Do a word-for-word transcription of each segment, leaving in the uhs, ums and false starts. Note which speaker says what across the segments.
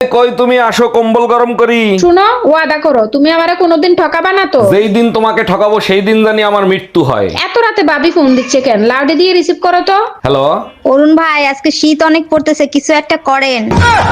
Speaker 1: কই তুমি আসো, কম্বল গরম করি।
Speaker 2: শুনো, ওয়াদা করো তুমি আমারে কোনোদিন ঠকাবা না তো।
Speaker 1: যেই দিন তোমাকে ঠকাবো সেই দিন জানি আমার মৃত্যু হয়।
Speaker 2: এত রাতে ভাবি ফোন দিচ্ছে কেন? লাউডে দিয়ে রিসিভ করো তো।
Speaker 1: হ্যালো।
Speaker 3: অরুণ ভাই, আজকে শীত অনেক পড়তেছে, কিছু একটা করেন।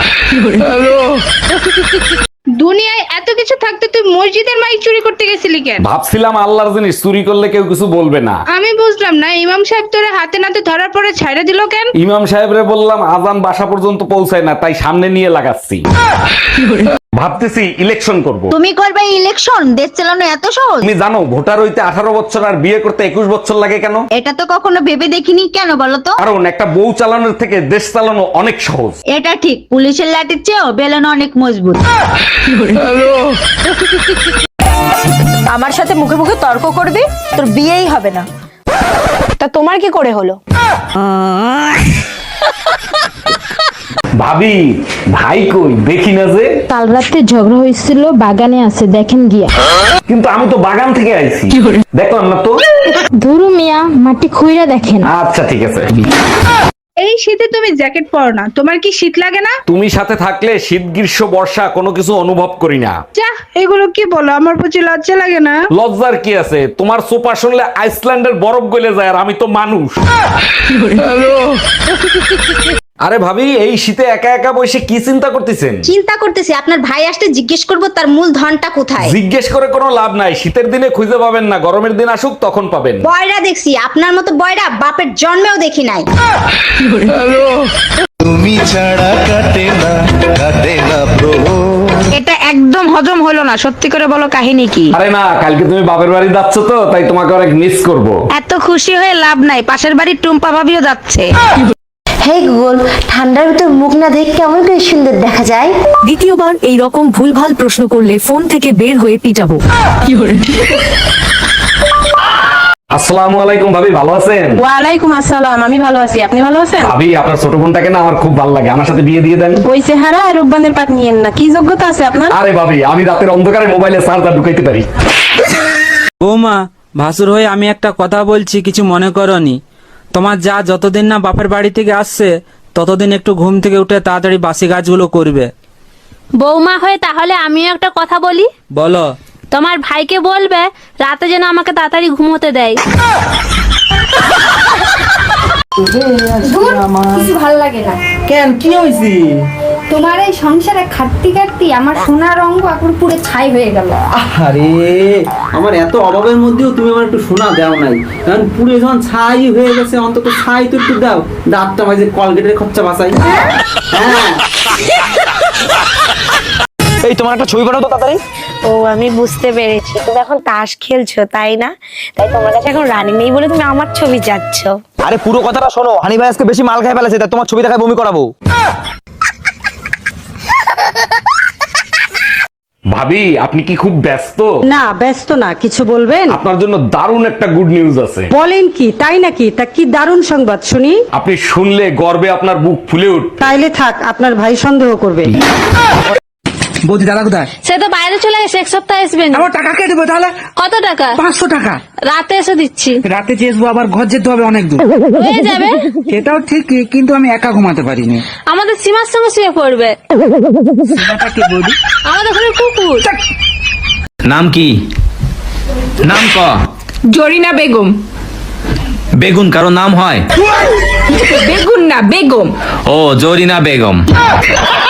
Speaker 2: দুনিয়ায় এত কিছু থাকতে তুই মসজিদের মাইক চুরি করতে গেছিলি কেন?
Speaker 1: ভাবছিলাম আল্লাহর জিনিস চুরি করলে কেউ কিছু বলবে না।
Speaker 2: আমি বুঝলাম না, ইমাম সাহেব তোরে হাতে নাতে ধরার পরে ছাইড়া দিল কেন?
Speaker 1: ইমাম সাহেবরে বললাম আজান বাসা পর্যন্ত পৌঁছায় না, তাই সামনে নিয়ে লাগাচ্ছি। ভাবতেছি ইলেকশন করব।
Speaker 3: তুমি করবে ইলেকশন? দেশ চালানো এত সহজ?
Speaker 1: তুমি জানো ভোটার হইতে আঠারো বছর আর বিয়ে করতে একুশ বছর লাগে কেন?
Speaker 3: এটা তো কখনো ভেবে দেখিনি, কেন বলো তো?
Speaker 1: কারণ একটা বউ চালানোর থেকে দেশ চালানো অনেক সহজ।
Speaker 3: এটা ঠিক, পুলিশের লাঠির চেয়েও বেলন অনেক মজবুত।
Speaker 4: আমার সাথে মুখে মুখে তর্ক করবি, তোর বিয়েই হবে না। তা তোমার কি করে হলো?
Speaker 1: ভাবি, ভাই কই দেখি না যে।
Speaker 2: কাল রাতে ঝগড়া হয়েছিল, বাগানে আছে, দেখেন গিয়া।
Speaker 1: কিন্তু আমি তো বাগান থেকে আইছি, দেখলাম না তো।
Speaker 2: ধুরু মিয়া, মাটি খুইরা দেখেন।
Speaker 1: আচ্ছা ঠিক আছে।
Speaker 2: এই শীতে তুমি জ্যাকেট পরো না, তোমার কি শীত লাগে না?
Speaker 1: তুমি সাথে থাকলে শীত গ্রীষ্ম বর্ষা কোনো কিছু অনুভব করি না।
Speaker 2: যা, এগুলো কি বলো? আমার প্রতি লজ্জা লাগে না?
Speaker 1: লজ্জার কি আছে? তোমার সোপা শুনলে আইসল্যান্ডের বরফ গলে যায়, আর আমি তো মানুষ। আরে ভাবি, এই শীতে একা একা বসে কি চিন্তা করতেছেন?
Speaker 3: চিন্তা করতেছি আপনার ভাই আসতে জিজ্ঞেস করব তার মূল ধনটা কোথায়।
Speaker 1: জিজ্ঞেস করে কোনো লাভ নাই, শীতের দিনে খুঁজে পাবেন না, গরমের দিন আসুক তখন পাবেন।
Speaker 3: বয়রা দেখছি, আপনার মতো বয়রা বাপের জন্মেও দেখি নাই।
Speaker 5: তুমি ছাড়া কাটে না কাটে না প্রভু।
Speaker 4: এটা একদম হজম হলো না, সত্যি করে বলো কাহিনী কি?
Speaker 1: আরে না, কালকে তুমি বাপের বাড়ি যাচ্ছ তো, তাই তোমাকে অনেক মিস করব।
Speaker 4: এত খুশি হয়ে লাভ নাই, পাশের বাড়ির টুম্পা ভাবিও যাচ্ছে।
Speaker 6: হে গুগল, ঠান্ডার ভিতর মুখ না দেখে কেমন করে সুন্দর দেখা যায়?
Speaker 7: দ্বিতীয়বার এই রকম ভুলভাল প্রশ্ন করলে ফোন থেকে বের হয়ে পিটাবো।
Speaker 1: আসসালামু আলাইকুম ভাবি, ভালো আছেন?
Speaker 4: ওয়ালাইকুম আসসালাম, আমি ভালো আছি, আপনি ভালো আছেন?
Speaker 1: ভাবি, আপনার ছোট বোনটাকে না আমার খুব ভালো লাগে, আমার সাথে বিয়ে দিয়ে দেন।
Speaker 4: ওই চেহারা আর রূপবানের পাট নিয়েন না, কি যোগ্যতা আছে আপনার?
Speaker 1: আরে ভাবি, আমি রাতের অন্ধকারে মোবাইলে চার্জার ঢুকাইতে পারি।
Speaker 8: বৌমা, ভাসুর হয়ে আমি একটা কথা বলছি, কিছু মনে করনি। তোমার যা যতদিন না বাপের বাড়ি থেকে আসছে ততদিন একটু ঘুম থেকে উঠে তাড়াতাড়ি বাসি কাজগুলো করবে।
Speaker 9: বৌমা হয়ে তাহলে আমিও একটা কথা বলি।
Speaker 8: বলো।
Speaker 9: তোমার ভাইকে বলবে রাতে যেন আমাকে তাড়াতাড়ি ঘুমোতে দেয়।
Speaker 2: কিছু ভালো লাগে না।
Speaker 8: কেন, কি হয়েছে?
Speaker 2: তোমার এই সংসারে খাটতি খাটতি আমার সোনার অঙ্গ এখন পুরো ছাই হয়ে গেল।
Speaker 8: আরে, আমার এত অভাবের মধ্যেও তুমি আমার একটু শোনা দাও নাই, কারণ পুরো যখন ছাই হয়ে গেছে, অন্তত ছাই তো একটু দাও। দাঁতটা মাঝে কলগেটের খরচা বাঁচাই। হ্যাঁ, এই তোমার একটা ছবি পাঠাও তো তাড়াতাড়ি।
Speaker 6: ও, আমি বুঝতে পেরেছি, তুমি এখন তাস খেলছো তাই না? তাই তোমার কাছে এখন রানী নেই বলে তুমি আমার ছবি চাচ্ছ।
Speaker 8: আরে পুরো কথাটা শোনো, হানি ভাই আজকে বেশি মাল খাই ফেলেছে, তাই তোমার ছবি দেখায় বমি করাবো।
Speaker 1: ভাবি, আপনি কি খুব ব্যস্ত?
Speaker 4: না, ব্যস্ত না, কিছু বলবেন?
Speaker 1: আপনার জন্য দারুণ একটা গুড নিউজ আছে।
Speaker 4: বলেন কি? তাই নাকি? তা কি দারুণ সংবাদ শুনি।
Speaker 1: আপনি শুনলে গর্বে আপনার বুক ফুলে উঠবে।
Speaker 4: তাইলে থাক, আপনার ভাই সন্দেহ করবে।
Speaker 8: বৌদি, দাদা কোথায়?
Speaker 9: সে তো বাইরে চলে গেছে, এক সপ্তাহ আসবেন।
Speaker 8: আমার টাকা কে দেবো তাহলে?
Speaker 9: কত টাকা?
Speaker 8: পাঁচশো টাকা।
Speaker 9: রাতে এসে দিচ্ছি।
Speaker 8: রাতে চেয়েছবো, আবার ঘর যেতে হবে অনেক দূর।
Speaker 9: হয়ে যাবে।
Speaker 8: সেটাও ঠিক, কিন্তু আমি একা ঘুমাতে পারিনি।
Speaker 9: আমাদের সীমার সঙ্গে শুয়ে পড়বে।
Speaker 8: বৌদি,
Speaker 9: আমাদের ঘরে কুকুর।
Speaker 10: নাম কি? নাম ক।
Speaker 4: জরিনা বেগম।
Speaker 10: বেগুন কারো নাম হয়?
Speaker 4: বেগুন না, বেগম।
Speaker 10: ও, জরিনা বেগম।